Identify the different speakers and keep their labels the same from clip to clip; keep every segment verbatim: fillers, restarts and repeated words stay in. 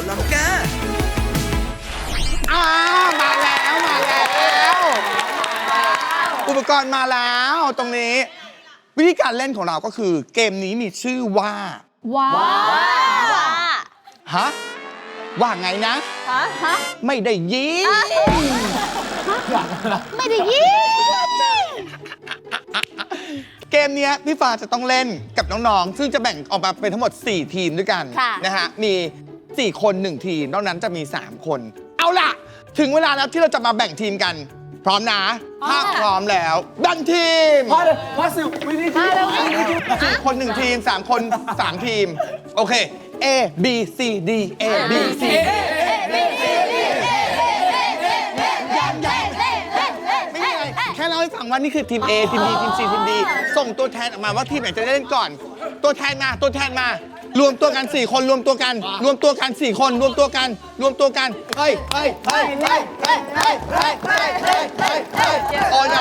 Speaker 1: ลังกา
Speaker 2: อ้ามาแล้วมาแล้วอุปกรณ์มาแล้วตรงนี้วิธีการเล่นของเราก็คือเกมนี้มีชื่อว่า
Speaker 3: ว้า
Speaker 2: ฮะว่าไงนะ
Speaker 3: ฮะฮะ
Speaker 2: ไม่ได้ยิน
Speaker 3: ไม่ได้ยิน
Speaker 2: เกมนี้พี่ฟ้าจะต้องเล่นกับน้องๆซึ่งจะแบ่งออกมาเป็นทั้งหมดสี่ทีมด้วยกันนะฮะมีสี่คนหนึ่งทีมนอกนั้นจะมีสามคนเอาล่ะถึงเวลาแล้วที่เราจะมาแบ่งทีมกันพร้อมนะถ้าพร้อมแล้วแบ่งทีม
Speaker 4: พอเลยพอสิวิธีที่
Speaker 2: สี่คนหนึ่งทีมสามคนสามทีมโอเค A B C D A B C ไม่มีอะไรแค่เล่าให้ฟังว่านี่คือทีม A ทีม B ทีม C ทีม D ส่งตัวแทนออกมาว่าทีมไหนจะได้เล่นก่อนตัวแทนมาตัวแทนมารวมตัวกันสี่คนรวมตัวกันรวมตัวกันสี่คนรวมตัวกันรวมตัวกันเฮ้ยเฮ้ยเฮ้ยเฮ้ยเฮ้ยเฮ้ยเฮ้ยเฮ้ยเฮ้ยเฮ้ยเฮ้ยโอ้ย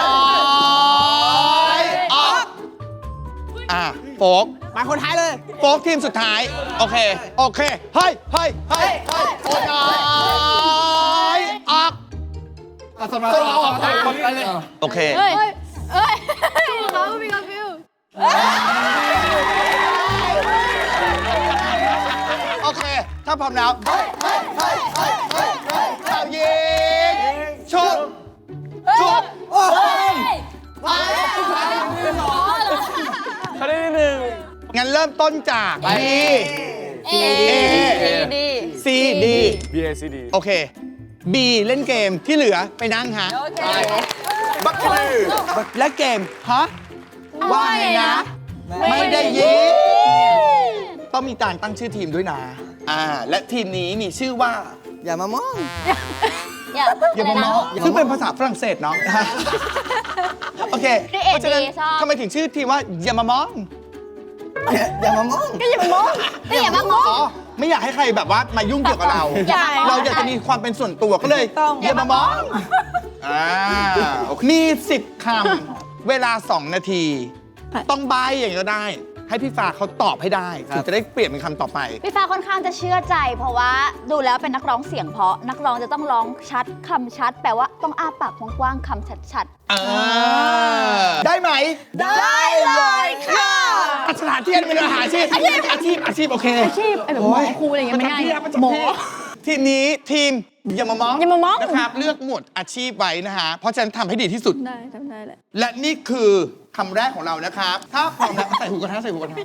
Speaker 2: ออกอ่ะโฟก
Speaker 4: มาคนท้ายเลย
Speaker 2: โฟกทีมสุดท้ายโอเคโอเคเฮ้ยเฮ้ยเฮ้ยเฮ้ยโอ้ยออก
Speaker 4: สมาร์ทออกไปเลย
Speaker 2: โอเค
Speaker 3: เฮ้ยเฮ้ยเขามีกาฟิว
Speaker 2: โอเคถ้าพร้อมแล้วเฮ้ยเฮ้ยเฮ้ยเฮ้ยเฮ้ยเฮ้ยเฮ้ยยิงชุบชุบโอ้ย
Speaker 4: เขาได้หนึ่ง
Speaker 2: งั้นเริ่มต้นจาก B
Speaker 3: A D
Speaker 2: C D
Speaker 4: B A C D
Speaker 2: โอเค B เล่นเกมที่เหลือไปนั่งฮะบักคือและเกมฮะว่าไงนะไม่ได้ยินต้องมีการตั้งชื่อทีมด้วยนะอ่าและทีมนี้มีชื่อว่า
Speaker 4: อย่ามามอง
Speaker 2: อย่ามามองซึ่งเป็นภาษาฝรั่งเศสเนาะโอเคเพราะฉะนั้นทำไมถึงชื่อทีมว่าอย่ามามอง
Speaker 4: อย่ามามอง
Speaker 3: ก็อย่ามามองก็อย่ามามอง
Speaker 2: อ๋อไม่อยากให้ใครแบบว่ามายุ่งเกี่ยวกับเราเราอยากจะมีความเป็นส่วนตัวก็เลยอย่ามามองอ่ามีสิบคำเวลาสองนาทีต้องใบอย่างก็ได้ให้พี่ฟ้าเขาตอบให้ได้ถึงจะได้เปลี่ยนเป็นคำต่อไป
Speaker 3: พี่ฟ้าค่อนข้างจะเชื่อใจเพราะว่าดูแล้วเป็นนักร้องเสียงเพราะนักร้องจะต้องร้องชัดคำชัดแปลว่าต้องอ้าปากกว้างๆคำชัด
Speaker 2: ๆได้ไหม
Speaker 3: ได้เลยค่ะ
Speaker 2: สถานที่เป็นอาหารอาชีพอาชีพอาชีพโอเค
Speaker 3: อาชีพไอ้แบบหมอครูอะไรอย่างเงี้ยไม่ได้หมอ
Speaker 2: ทีนี้ทีมอย่ามามอง
Speaker 3: อย่ามามอง
Speaker 2: นะครับเลือกหมวดอาชีพไว้นะฮะเพราะฉะนั้นทำให้ดีที่สุด
Speaker 3: ได้ทำได้แหละ
Speaker 2: และนี่คือคำแรกของเรานะครับถ้าพร้อมแล้วใส่หูกระทะใส่หูกระทะ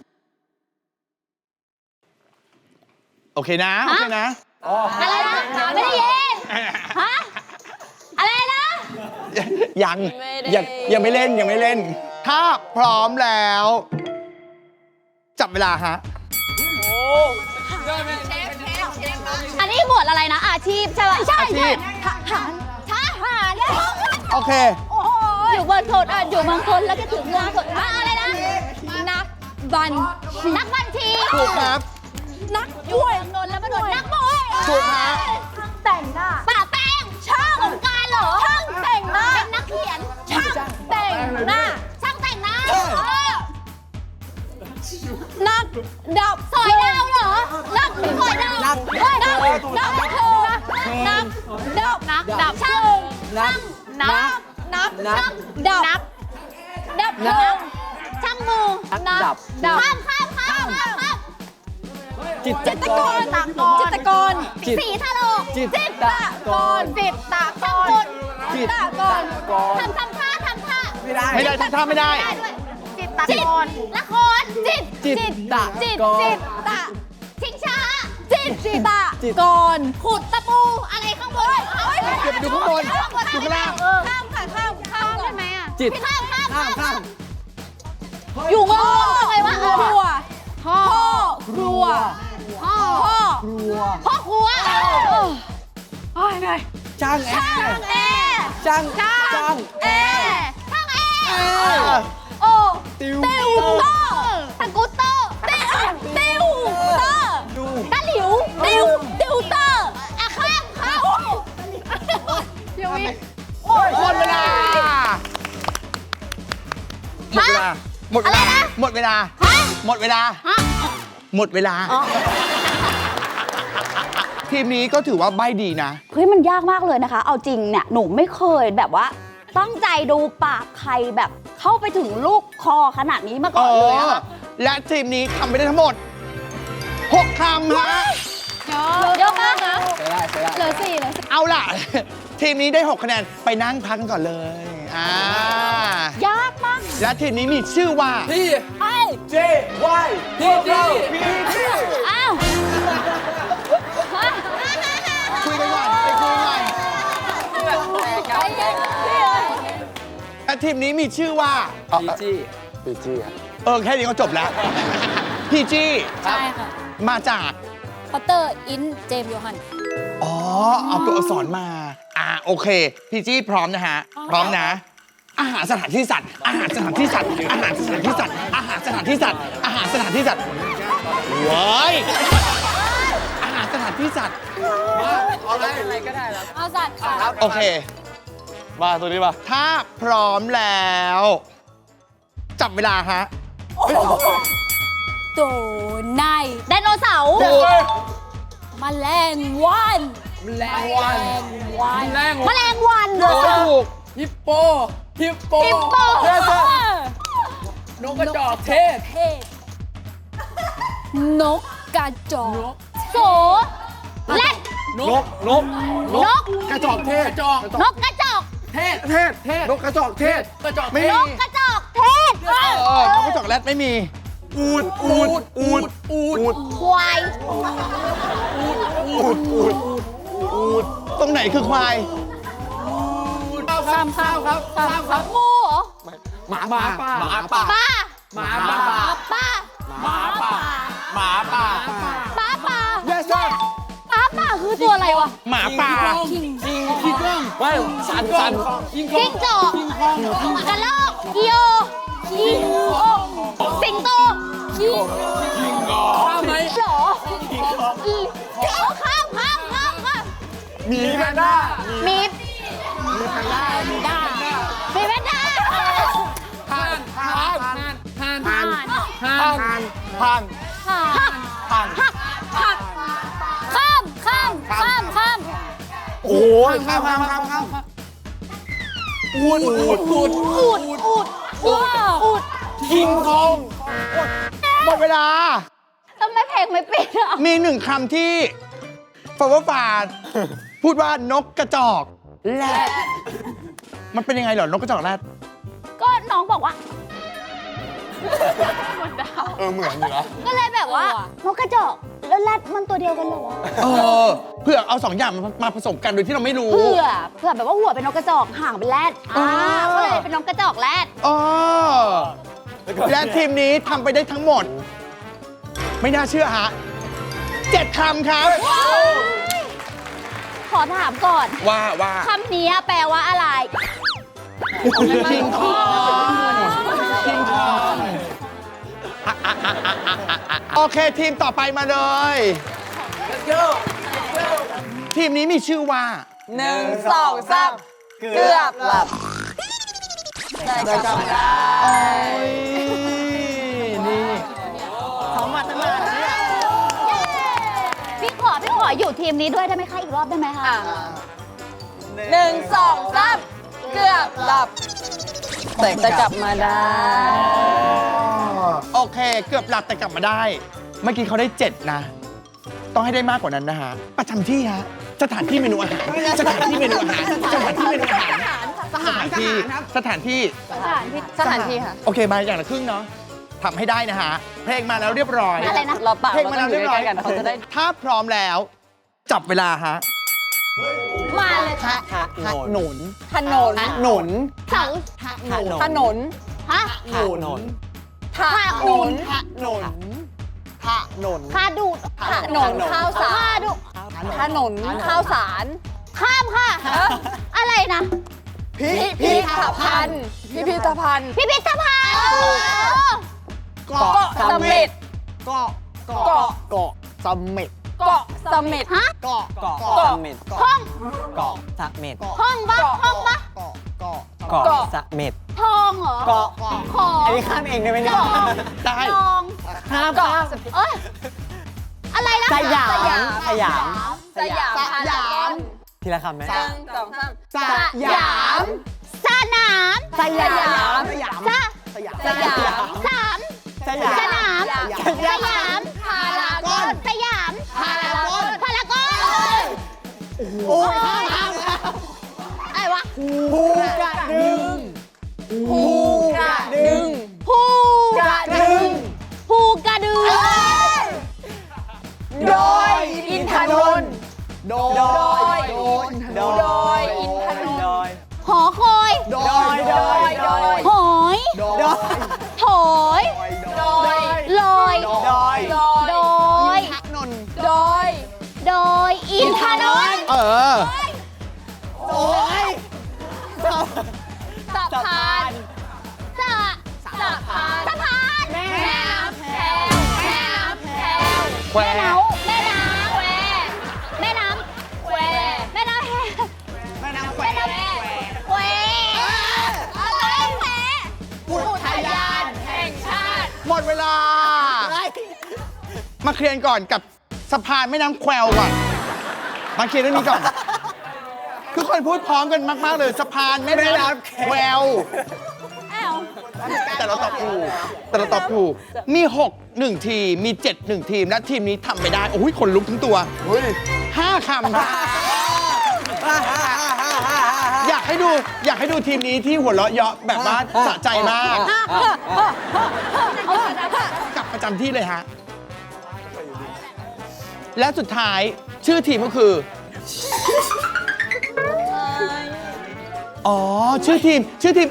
Speaker 2: โอเคนะโอเคนะ
Speaker 3: อะไรนะไม่ได้ยินฮะอะไรนะ
Speaker 2: ยังยังยังไม่เล่นยังไม่เล่นถ้าพร้อมแล้วจับเวลาฮะ
Speaker 3: อันนี้หมวดอะไรนะอาชีพใช่ไหมใช่ใช่ทหารทหาร
Speaker 2: โอเค
Speaker 3: อยู่บนโถดอ่ะอยู่บางคนแล้วก็ถึงเมืองโถดอะไรนะนักบัญนักบัญชี
Speaker 2: ถูกครับ
Speaker 3: นักช่วยนนแล้วมาโดนนักบอย
Speaker 2: ถูกครับ
Speaker 3: แต่งหน้าป่าแป้งช่างของการเหรอช่างแต่งหน้าเป็นนักเขียนช่างแต่งหน้าช่างแต่งหน้านักดับสอยดาวเหรอนักสอยดาวนักดับนักเธอนักดับนักดับช่างนักนับนับช่างดับดับเพลิงช่างมือนับดับข้ามข้ามข้ามข้ามจิตตกรจิตกรสีทะโลจิตตกรจิตตกรจิตตกรทำทำท่าทำท่า
Speaker 2: ไม่ได้ไม่ได้ทำท่าไม่ได้
Speaker 3: จิตตกรละครจิตจิตตะจิตจิตตะชิงช้าจิตจิตตะกรขุดตะปูอะไรข้างบน
Speaker 2: เก็บดูข้างบนดูข้างล่าง
Speaker 3: ข้ามค่ะข้ามข้ามได้ไหมอ่ะ
Speaker 4: จิต
Speaker 3: ข้ามข้าม
Speaker 4: ข้ามข้าม
Speaker 3: อยู่งงทำไมวะครัวพ่อครัวพ่อ
Speaker 4: ครัว
Speaker 3: พ่อครัวโอ้ยไง
Speaker 4: ช่างแอร์ช่างช่าง
Speaker 3: แอร์ช่างแอร์โอ้ติวเตอร์สกูตเตอร์ติวติวเตอร์ตะหลิวติวติวเตอร์อะข้ามข้ามเดี๋ยวอีก
Speaker 2: หมดเวลาหมดเวลาหมดเวลาหมดเวลาหมดเวลาหมดเวลาทีมนี้ก็ถือว่าใบดีนะ
Speaker 3: เฮ้ยมันยากมากเลยนะคะ เอาจริงเนี่ยหนูไม่เคยแบบว่าตั้งใจดูปากใครแบบเข้าไปถึงลูกคอขนาดนี้มา
Speaker 2: เอ
Speaker 3: ก่อนเลย
Speaker 2: อ
Speaker 3: อะค่ะ
Speaker 2: และทีมนี้ทำไปได้ทั้งหมดหกคำฮะ
Speaker 3: เยอะมากนะ
Speaker 4: ใช้ได้ใช้ได้
Speaker 3: เหลือสี่เหลือสี่
Speaker 2: เอาล่ะ ทีมนี้ได้หกคะแนนไปนั่งพักกันก่อนเลยอ่าย
Speaker 3: ากมาก
Speaker 2: และทีมนี้มีชื่อว่า
Speaker 4: พี่
Speaker 3: ไอ้
Speaker 4: เจวายพวกเราพี่พี่
Speaker 3: อ้าว
Speaker 2: คุยกันก่อนไปคุยกันก่อน
Speaker 3: ใจเย็นพี่เอ้ย
Speaker 2: และทีมนี้มีชื่อว่า
Speaker 4: พี่จี้
Speaker 1: ปีจี้ครับ
Speaker 2: เออแค่นี้ก็จบแล้ว พี่จี้
Speaker 3: ใช่ค่ะ
Speaker 2: มาจาก
Speaker 3: พอตเตอร์อินเจมส์โยฮัน
Speaker 2: อ๋อ เอาตัวอักษรมา อ่าโอเค พี่จี้พร้อมนะฮะ พร้อมนะ อาหารสถานที่สัตว์ อาหารสถานที่สัตว์ อาหารสถานที่สัตว์ อาหารสถานที่สัตว์ อาหารสถานที่สัตว์ว้ายอาหารสถานที่สัตว์
Speaker 4: เอาอะไรอะไรก็ได้แล้ว
Speaker 3: เอาสัตว์ค่ะ
Speaker 2: โอเค
Speaker 1: มาตัวนี้ป่ะ
Speaker 2: ถ้าพร้อมแล้ว จับเวลาฮะ
Speaker 3: โดในไดโนเสาร์
Speaker 2: ถูก
Speaker 3: แมลงวัน
Speaker 4: แมลงวัน
Speaker 3: วัน
Speaker 4: แมลง
Speaker 3: แมลงวันเหรอ
Speaker 2: ถูก
Speaker 4: ฮิปโปฮิปโป
Speaker 3: ปิมโป
Speaker 4: เทศนกกระจอกเทศ
Speaker 3: เทศนกกระจอก
Speaker 4: นก
Speaker 3: โสแรด
Speaker 4: นกนก
Speaker 3: นก
Speaker 4: กระจอกเทศกระจอก
Speaker 3: นกกระจอก
Speaker 4: เทศเทศเทศนกกระจอกเทศกระจอก
Speaker 2: ไม่
Speaker 4: เท
Speaker 2: มี
Speaker 4: ศ
Speaker 3: นกกระจอกเทศ
Speaker 2: เออนกกระจอกแรดไม่มี
Speaker 4: อูดอูดอูดอูด
Speaker 3: ควาย
Speaker 2: อูดอูดอูดตรงไหนคือควาย
Speaker 4: ข้ามข้ามครับข้ามครับ
Speaker 3: งูเหรอ
Speaker 4: หมาหมาป่าหมาป่า
Speaker 3: ปลา
Speaker 4: หมาป่า
Speaker 3: ปลา
Speaker 4: หมาป่า
Speaker 2: หมาป่า
Speaker 3: ปลาปลา
Speaker 2: yes sir
Speaker 3: ปลาปลาคือตัวอะไรวะ
Speaker 2: หมาป่า
Speaker 4: คิงคิงคิงก้องไม่สันสันคิงก้อ
Speaker 3: จิ้
Speaker 4: ง
Speaker 3: งจอกกระรอกอีโออีโอสิงโตอี
Speaker 4: ข้ามไหม
Speaker 3: หรออีข้ามข้ามข้ามข้าม
Speaker 2: มีแพนด้า
Speaker 3: มีมีแพนด้ามีด้ามีแพนด้า
Speaker 4: ผ่านผ่านผ่านผ่าน
Speaker 3: ผ่าน
Speaker 4: ผ่าน
Speaker 2: ผ่านผ่าน
Speaker 3: หัก
Speaker 2: ผ่าน
Speaker 3: หักหักข้ามข้ามข้ามข้าม
Speaker 2: โอ้ยข้ามข้ามข้ามข้าม
Speaker 4: อูดอูดอูด
Speaker 3: อูดอูดอูดอูด
Speaker 4: คิงคอง
Speaker 2: หมดเวลา
Speaker 3: ทำไมเพลงไม่ปิดอ่ะ
Speaker 2: มีหนึ่งคำที่ฟาวฟาดพูดว่านกกระจอกแรดมันเป็นยังไงเหรอนกกระจอกแรด
Speaker 3: ก็น้องบอกว่า
Speaker 1: เออ เหมือนอยู่นะ
Speaker 3: ก็เลยแบบว่านกกระจอกแล้วแรดมันตัวเดียวกันเหรอ
Speaker 2: เออเพื่อเอาสองอย่างมามาผสมกันโดยที่เราไม่รู้
Speaker 3: เผื่อเผื่อแบบว่าหัวเป็นนกกระจอกหางเป็นแรดอ่า
Speaker 2: อ๋อ
Speaker 3: ก็เลยเป็นนกกระจอกแรด
Speaker 2: อ๋อและทีมนี้ทำไปได้ทั้งหมด ไม่น่าเชื่อฮะเจ็ดคำครับ
Speaker 3: ขอถามก่อน
Speaker 2: ว่าว่า
Speaker 3: คำนี้แปลว่าอะไร
Speaker 2: คิงคองคิงคองโอเคทีมต่อไปมาเลย ทีมนี้มีชื่อว่า
Speaker 4: หนึ่งสองสามเกือบหลับ
Speaker 2: ได้กลับมาโอ้ยนี่เขามาตั้งนานแล้วเนี่ย
Speaker 3: พี่ขอพี่ขออยู่ทีมนี้ด้วยได้ไหมคะอีกรอบได้ไหมคะ
Speaker 5: หนึ่งสองสามเกือบหลับ แต่จะกลับมาได้
Speaker 2: โอเค เกือบหลับแต่กลับมาได้ เมื่อกี้เขาได้เจ็ดนะ ต้องให้ได้มากกว่านั้นนะฮะ ประจำที่ฮะ สถานที่เมนูอาหาร สถานที่เมนูอาหาร สถานที่เมนูอาหาร สถานที่ สถานที่
Speaker 3: สถานที่
Speaker 5: สถานที่ค่ะ
Speaker 2: โอเค มาอย่างละครึ่งเนาะทำให้ได้นะฮะ เพลงมาแล้วเรียบร้อย
Speaker 3: อะไรนะ
Speaker 5: เราเปล่า
Speaker 2: เพลง
Speaker 5: เรา
Speaker 2: มา
Speaker 5: ต้
Speaker 2: แล้
Speaker 5: อ
Speaker 2: ว
Speaker 5: งอ
Speaker 2: เรีย
Speaker 5: ยู่
Speaker 2: บร้อย
Speaker 5: ใกล้ๆกันเขาจะได้
Speaker 2: ถ้าพร้อมแล้ว จับเวลาฮะ
Speaker 3: มาเลยค่ะ
Speaker 2: หนุน
Speaker 5: ถนน
Speaker 2: หนุน
Speaker 3: เสา
Speaker 5: ถนน
Speaker 3: ฮะ
Speaker 5: ถนน
Speaker 3: ถนน
Speaker 2: หนุนถนน
Speaker 3: คาดูด
Speaker 5: ถนนข้าวสาร
Speaker 3: คาดู
Speaker 5: ถนนข้าวสาร
Speaker 3: ข้ามค่ะ อะไรนะ
Speaker 2: พิ
Speaker 5: พิพิธภัณฑ์ พิพิธภัณฑ์
Speaker 3: พิพิธภัณฑ์
Speaker 2: เกาะ
Speaker 5: เกาะเสม็ด
Speaker 2: เกาะเกาะ
Speaker 5: เกาะ
Speaker 2: เกาะเสม็ด
Speaker 5: เกาะเสม็ด
Speaker 3: ฮะ
Speaker 2: เกาะเกาะ
Speaker 5: เกาะ
Speaker 6: เม็ด
Speaker 3: ห้อง
Speaker 6: เกาะสะเม็ด
Speaker 3: ห้องปะห้องปะ
Speaker 2: เกาะเกาะ
Speaker 6: เกาะ
Speaker 5: เกาะ
Speaker 6: สะเม็ด
Speaker 3: ทองเหรอ
Speaker 6: เกาะ
Speaker 3: ของ
Speaker 6: อันนี้ข้ามเองได้ไหมเนี่ย
Speaker 3: ทอง
Speaker 2: ได้
Speaker 3: ทอง
Speaker 6: ข้าม
Speaker 5: เกาะ
Speaker 3: เอ้ยอะไรนะ
Speaker 6: สยาม
Speaker 5: สยาม
Speaker 6: สยาม
Speaker 3: ส
Speaker 5: สยาม
Speaker 2: สยาม
Speaker 6: ทีละคำไหม
Speaker 5: หนึ่งสองสาม
Speaker 2: สยาม
Speaker 3: สนาม
Speaker 4: สยาม
Speaker 2: สยาม
Speaker 3: ส
Speaker 2: สยาม
Speaker 5: สยาม
Speaker 3: สาม
Speaker 6: สยาม
Speaker 3: สนามสยามพารากอนสยามพารากอนพารากอน
Speaker 2: โอ้ยข้ามข้าม
Speaker 3: อะไรวะ
Speaker 6: ภูกระดึง
Speaker 5: ภูกระดึง
Speaker 3: ภูกระดึงภูกระดึง
Speaker 5: โดยอินทนนท์
Speaker 2: โด
Speaker 6: โด
Speaker 2: ย
Speaker 6: ย
Speaker 2: โดย
Speaker 6: โด
Speaker 5: โดยอินทนนท์
Speaker 6: โดย
Speaker 3: หอคอย
Speaker 2: โด
Speaker 6: โด
Speaker 2: ย
Speaker 6: ย โดย โดย
Speaker 3: หอย
Speaker 2: โดย
Speaker 3: โถย
Speaker 5: โดย
Speaker 3: ลอย
Speaker 6: โดย
Speaker 5: โดย
Speaker 3: โดย
Speaker 2: พักนนท์
Speaker 5: โดย
Speaker 3: โดยอินทนนท์
Speaker 2: เออ
Speaker 3: โอ้ย
Speaker 5: สะพาน
Speaker 3: สะ
Speaker 5: สะพาน
Speaker 3: สะพาน
Speaker 5: แม่น้ำแพรวแม่น้ำแพรว
Speaker 2: แคว
Speaker 3: แม่น้ำแม่น้ำ
Speaker 5: แคว
Speaker 3: แม่น้
Speaker 5: แคว
Speaker 3: ำแม่น้ำแ
Speaker 2: แม่น้ำแคว
Speaker 3: ม่น้ำแควอะไรแคว
Speaker 5: อุทยานแห่งชาติ
Speaker 2: หมดเวลา มาเคลียร์ก่อนกับสะพานแม่น้ำแควก่อน มาเคลียร์เรื่องนี้ก่อน คือคนพูดพร้อมกันมาก ๆ เลยสะพานแม่น้ำแคว
Speaker 3: อ้าว
Speaker 2: แต่เราตอบถูกแต่เราตอบถูก มีหก หนึ่งทีม มีเจ็ด หนึ่งทีม และทีมนี้ทำไปได้ โอ้ยขนลุกทั้งตัวห้าคำครับอยากให้ดู อยากให้ดูทีมนี้ที่หัวเราะเยาะแบบว่าสะใจมาก กลับประจำที่เลยฮะ และสุดท้ายชื่อทีมก็คือ อ๋อ ชื่อทีม ชื่อทีม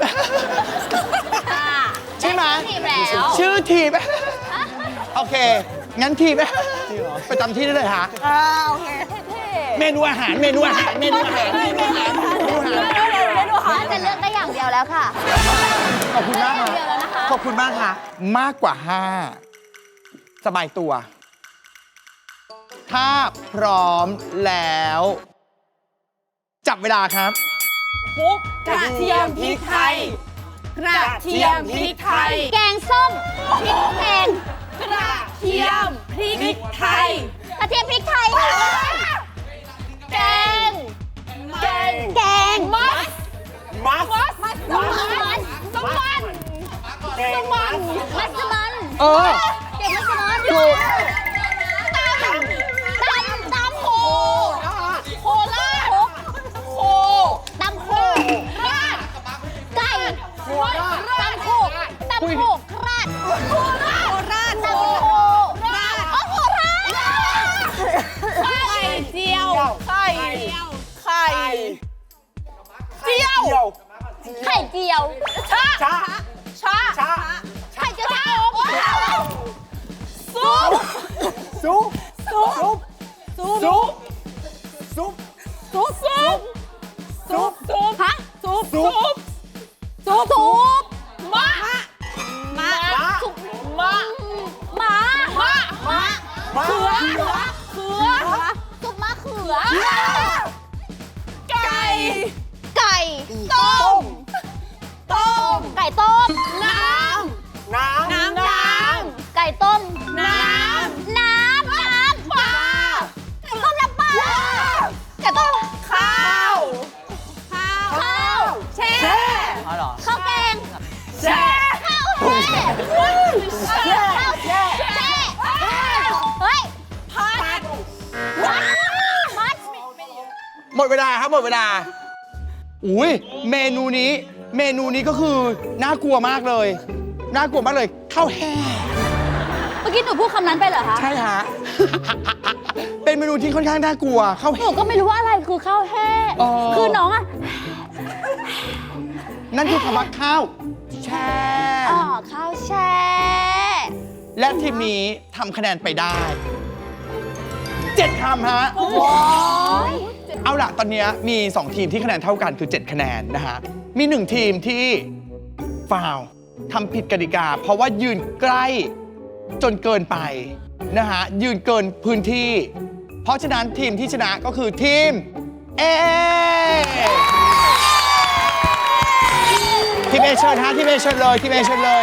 Speaker 2: ใช่ไหม
Speaker 3: ทีมแล้ว
Speaker 2: ชื่อทีม โอเค งั้นทีม ประจำที่ได้เลยฮะ
Speaker 5: อ่าโอเคเท่
Speaker 2: เมนูอาหาร เมนูอาหาร เมนูอาหาร เมนูอาหาร เมนูอาหาร
Speaker 5: ๆไม่ดูหา
Speaker 3: จะเลือกได้อย่างเดียวแล้วค่ะ
Speaker 2: ขอบคุณมากค่ะ
Speaker 3: เดียวแล้วนะคะ
Speaker 2: ขอบคุณมากค่ะ มากกว่าห้าสบายตัว ถ้าพร้อมแล้ว จับเวลาครับ
Speaker 5: ปุ๊กกระเทียมพริกไทย กระเทียมพริกไทย
Speaker 3: แกงส้มพริกแกง
Speaker 5: กระเทียมพริกไทย
Speaker 3: กระเทียมพริกไทยค่ะ
Speaker 5: แกง แกง
Speaker 3: แกง
Speaker 5: มัส
Speaker 6: มัส
Speaker 5: มัสมัส
Speaker 3: สมัน
Speaker 5: สมัน
Speaker 6: แกงมัส
Speaker 3: มัสมัน
Speaker 2: เออ
Speaker 3: เก็บมัสมัน
Speaker 2: ถูก
Speaker 3: ตำตำตำโค
Speaker 5: โคราชโค
Speaker 3: ตำโค
Speaker 5: ราช
Speaker 3: ไก่
Speaker 5: โคราช
Speaker 3: ตำโคตำโคราด
Speaker 5: โคราชโคราช
Speaker 3: ตำโคราดอ๋อโคราด
Speaker 5: ไข่เจียว ไข่ ไข่เจียว
Speaker 3: ไข่เจียว
Speaker 5: ชา
Speaker 6: ชา
Speaker 5: ชา
Speaker 6: ชา
Speaker 3: ไข่เจียวชะอม
Speaker 5: ซุป
Speaker 6: ซุป
Speaker 5: ซุป
Speaker 6: ซุป ซุป ซุป
Speaker 5: ซุปซุปซุปซุป
Speaker 3: ฮะ
Speaker 5: ซุป
Speaker 6: ซุป
Speaker 5: ซุป
Speaker 3: ซุป
Speaker 5: มะ
Speaker 3: มะ
Speaker 5: ซุปมะ
Speaker 3: หมาม
Speaker 5: ะ
Speaker 3: มะ
Speaker 6: มะ
Speaker 5: เขือเขือ
Speaker 3: ซุปมะเขือ
Speaker 5: ไก่
Speaker 3: ไก่
Speaker 5: ต้ม ต้ม
Speaker 3: ไก่ต้ม
Speaker 5: น้
Speaker 6: น้
Speaker 5: ำ น้ำน้
Speaker 3: ไก่ต้ม
Speaker 5: ำ น้ำ
Speaker 3: น้ำ น้ำ
Speaker 5: ปลา
Speaker 3: ไก่ต้มน้ำปลาไก่ต้ม
Speaker 5: ข้าว ข้าว
Speaker 3: ข้าว
Speaker 5: แช่
Speaker 6: ำอ๋อเหรอ
Speaker 3: ข้าวแกง
Speaker 5: แช่
Speaker 3: ข้าวแช่
Speaker 5: แช่
Speaker 3: ข้าวแช่แช่เฮ้ย
Speaker 5: ผัด
Speaker 3: มัดมัด
Speaker 2: หมดเวลาครับหมดเวลา อุ้ยเมนูนี้ เมนูนี้ก็คือน่ากลัวมากเลย น่ากลัวมากเลยข้าวแห้ง
Speaker 3: เมื่อกี้หนูพูดคำนั้นไปเหรอคะ
Speaker 2: ใช่ฮะ เป็นเมนูที่ค่อนข้างน่ากลัวข้าว
Speaker 3: ห
Speaker 2: แห้
Speaker 3: นู
Speaker 2: ง
Speaker 3: ก็ไม่รู้ว่าอะไรคือข้าวแห้ง
Speaker 2: อ๋อ
Speaker 3: คือน้องอะ
Speaker 2: นั่นคือคำว่าข้าวแช่
Speaker 3: อ๋อข้าวแช่
Speaker 2: และทีมนี้ทำคะแนนไปได้เจ็ดคำฮะ เอาล่ะ ตอนนี้มี สอง ทีมที่คะแนนเท่ากันคือ เจ็ด คะแนนนะฮะ มี หนึ่ง ทีมที่ฟาวล์ทำผิดกติกา เพราะว่ายืนใกล้จนเกินไปนะฮะ ยืนเกินพื้นที่ เพราะฉะนั้นทีมที่ชนะก็คือทีม A ทีม A เชิญฮะทีม A เชิญเลยทีม A เชิญเลย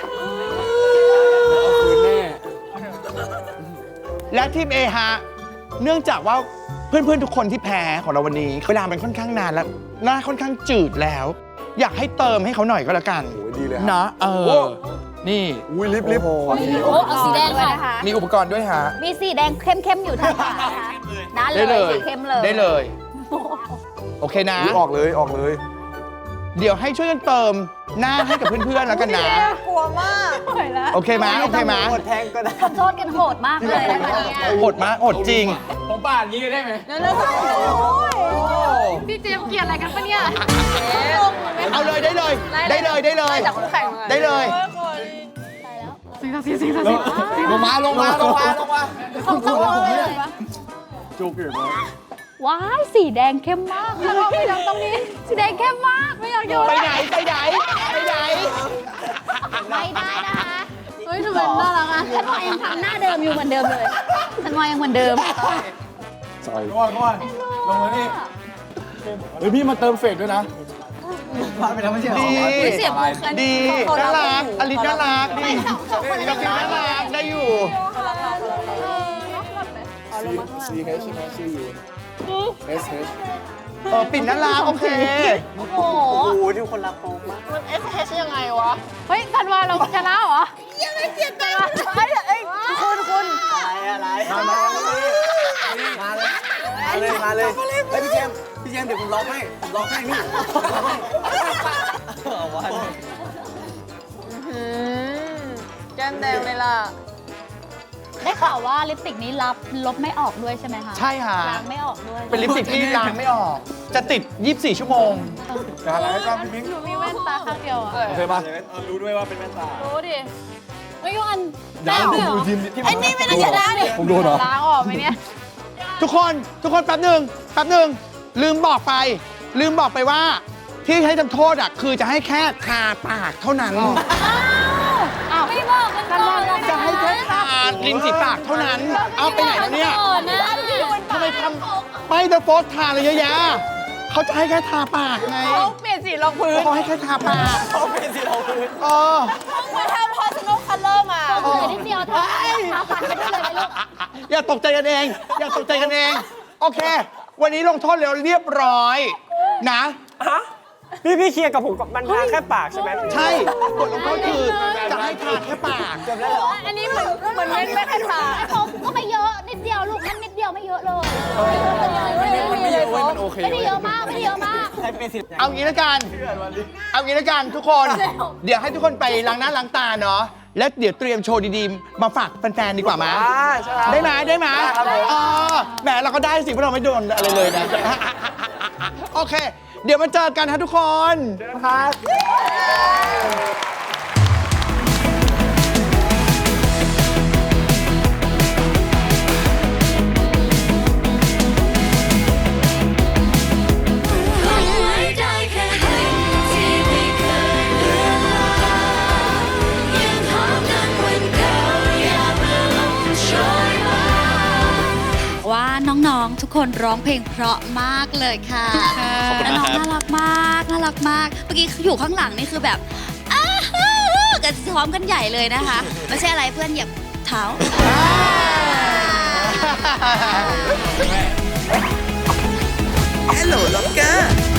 Speaker 6: คืนแน่
Speaker 2: และทีม A ฮะเนื่องจากว่าเพื่อนๆทุกคนที่แพ้ของเราวันนี้เวลามันค่อนข้างนานแล้วหน้าค่อนข้างจืดแล้ว อยากให้เติมให้เขาหน่อยก็แล้วกัน
Speaker 1: โอ้ยดีเลยฮะ
Speaker 2: นะเอ
Speaker 1: โอ้
Speaker 2: อนี่
Speaker 1: อุ้ยลิฟต์ลิฟต์
Speaker 3: โอ้เอาสีแดงค่ะ
Speaker 2: มีอุปกรณ์ด้วยฮะ
Speaker 3: มีสีแดงเข้มๆอยู่ทางขวานะคะนั่นเล
Speaker 2: ได้เลย ย
Speaker 3: สีเข้มเลย
Speaker 2: ได้เลย โอเคนะ
Speaker 1: อุ๊ยออกเลยออกเลย
Speaker 2: เดี๋ยวให้ช่วยกันเติมหน้าให้กับเพื่อนๆแล้วกันนะ
Speaker 5: กลัวมากไหวแล้ว
Speaker 2: โอเคไหมโอเคไหม
Speaker 4: หมดแทงก็ได้
Speaker 3: ทำโทษกันโหดมากเลยนะคะเนี่ย
Speaker 2: โหดมากโหดจริง
Speaker 6: ผมปาดอย่างนี้ได้ไหม
Speaker 5: แล้วแล้วก็
Speaker 3: พี่เจมส์เกลียดอะไรกันปะเนี่ย
Speaker 2: เอาเลยได้เลย ได้เลยได้เลย
Speaker 5: จากคู่แข่งมา
Speaker 2: ได้เลย
Speaker 1: ลงมาลงมาลงมาลงมา
Speaker 3: ของต้องเลย
Speaker 1: จุกอยู่นะ
Speaker 3: ว้ายสีแดงเข้มมากแล้วก็ไม่ต้องตรงนี้สีแดงเข้มมากไม่อยากอยู่
Speaker 2: ไปไหนไปไหนไปไหน
Speaker 3: ไม่ได้นะคะเฮ้ยทำไมน่ารักอ่ะฉันว่ายังทำหน้าเดิมอยู่เหมือนเดิมเลยฉันว่ายังเหมือนเดิม
Speaker 1: ใส่
Speaker 6: ก่อนก่อนลงมานี่เฮ้ยพี่มาเติมเฟกด้วยนะ
Speaker 4: มาไปแล้วไม่ใช่เหรอ
Speaker 2: ดี
Speaker 3: เสียบมุกอัน
Speaker 2: ดี
Speaker 3: เขา
Speaker 2: น่า
Speaker 3: รั
Speaker 2: รักอลิสน่ารักดี
Speaker 3: สองสองคน
Speaker 2: อลิสน่ารักได้อยู่
Speaker 1: ซีเอชใช่ไหมซียูเอสเอช
Speaker 2: เออปิ่นน่ารักโอเค
Speaker 3: โอ้โห
Speaker 4: โอ้โหที่คนรักโป๊กมาก
Speaker 5: มัน เอส เอช ยังไงวะ
Speaker 3: เฮ้ยธันวาเราชนะเหรอ
Speaker 5: ยังไม่เสียใจเฮ้ยเอ้ยคุณคุณ
Speaker 4: อะไรอะไรมามาเลยมาเลยมาเลยเฮ้ยพี่เจมส์พี่เจมส์เดี๋ยวผมร้องให้ผมร้องให้นี่ร้องให้เอาวะ
Speaker 5: อืมแก้มแดงเลยล่ะ
Speaker 3: ได้ข่าวว่าลิปสติกนี้รับลบไม่ออกด้วยใช่ไหมคะ
Speaker 2: ใช่ค่ะ
Speaker 3: ล้างไม่ออกด้วย
Speaker 2: เป็นลิปสติกที่ล้างไม่ออก จะติด ยี่สิบสี่ ชั่วโมง
Speaker 1: จะอะไรให้กล้ามพี่มิ้ง
Speaker 3: หนูมีแว่นตาข้างเดียวอ่ะ
Speaker 1: โอเคป่ะ
Speaker 4: รู้ด้วยว่าเป็นแว่นตา
Speaker 3: รู้ดิไม่ยอัน
Speaker 1: ยัง
Speaker 3: ได้
Speaker 1: ผม
Speaker 3: เหร
Speaker 1: ดู
Speaker 3: อ
Speaker 1: ทีม
Speaker 5: ไอ้นี่ไม่ได้ชนะดิ
Speaker 1: ผมโดนเหรอ
Speaker 3: ล้างออกไหมเนี่ย
Speaker 2: ทุกคนทุกคนแป๊บหนึ่งแป๊บหนึ่งลืมบอกไป ลืมบอกไปว่า ที่ให้ทำโทษอ่ะคือจะให้แค่ทาปากเท่านั้น
Speaker 3: อ้าวไม่บอกกันก่อนเลย
Speaker 2: จะให้แค่ทาริมฝีปากเท่านั้น เอาไปไหนแล้วเนี่ย
Speaker 3: ก่อนนะ
Speaker 2: ทำไมทำไม่เดอะโฟสทาเลยเยอะแยะเขาจะให้แค่ทาปากไง
Speaker 5: เขาเปลี่ยนสีรองพื้น
Speaker 2: เขาให้แค่ทาปาก
Speaker 4: เขาเป็นสีเราพื้น
Speaker 2: เออ
Speaker 5: มาทำ personal color มา
Speaker 3: เหลือนิดเดียวทาทาปากไปได้เลยไหมลูก
Speaker 2: อย่าตกใจกันเอง อย่าตกใจกันเอง โอเค วันนี้ลงโทษแล้วเรียบร้อย นะ
Speaker 4: ฮะพี่พี่เคลียร์กับผมกับมันทาแค่ปากใช่ไหม
Speaker 2: ใช่บทลงโทษคือจะให้ทาแค่ปาก
Speaker 4: จบแล้วเหรอ
Speaker 5: อันนี้เหมือนเหมือนเว้นไม่ให้ทา
Speaker 3: เขาก็ไม่เยอะนิดเดียวลูกนั่นนิดเดียวไม่เยอะเลย
Speaker 5: ไม่ได้ไม่ได้เลย
Speaker 1: มันโอเค
Speaker 3: ไม่ได้เยอะมากไม่ได้เยอะมาก
Speaker 4: ให้เป็นสี
Speaker 2: เอางี้แล้วกัน เอางี้แล้วกันทุกคน เดี๋ยวให้ทุกคนไปล้างหน้าล้างตาเนาะ แล้วเดี๋ยวเตรียมโชว์ดีๆ มาฝากแฟนๆดีกว่ามั้ย
Speaker 4: อ่าใช่ครับ
Speaker 2: ได้ไหมได้ไหม
Speaker 4: ได้ครับผม
Speaker 2: เออแหมเราก็ได้สิเพราะเราไม่โดนอะไรเลยนะ โอเค เดี๋ยวมาเจอกันฮะทุกคน
Speaker 4: ครับ
Speaker 7: ได้แค่กลิ่นที่ไม่เคยเลือนลางยังหอมนั้นวันเก่าอย่ามาลงโชยมา
Speaker 8: ว่าน้องๆ ทุกคนร้องเพลงเพราะมากเลยค่ะและน้องน่ารักมากน่ารักมาก เมื่อกี้อยู่ข้างหลังนี่คือแบบอ้าวกันซ้อมกันใหญ่เลยนะคะ ไม่ใช่อะไรเพื่อนเหยียบเท้า
Speaker 9: Hello, Locker!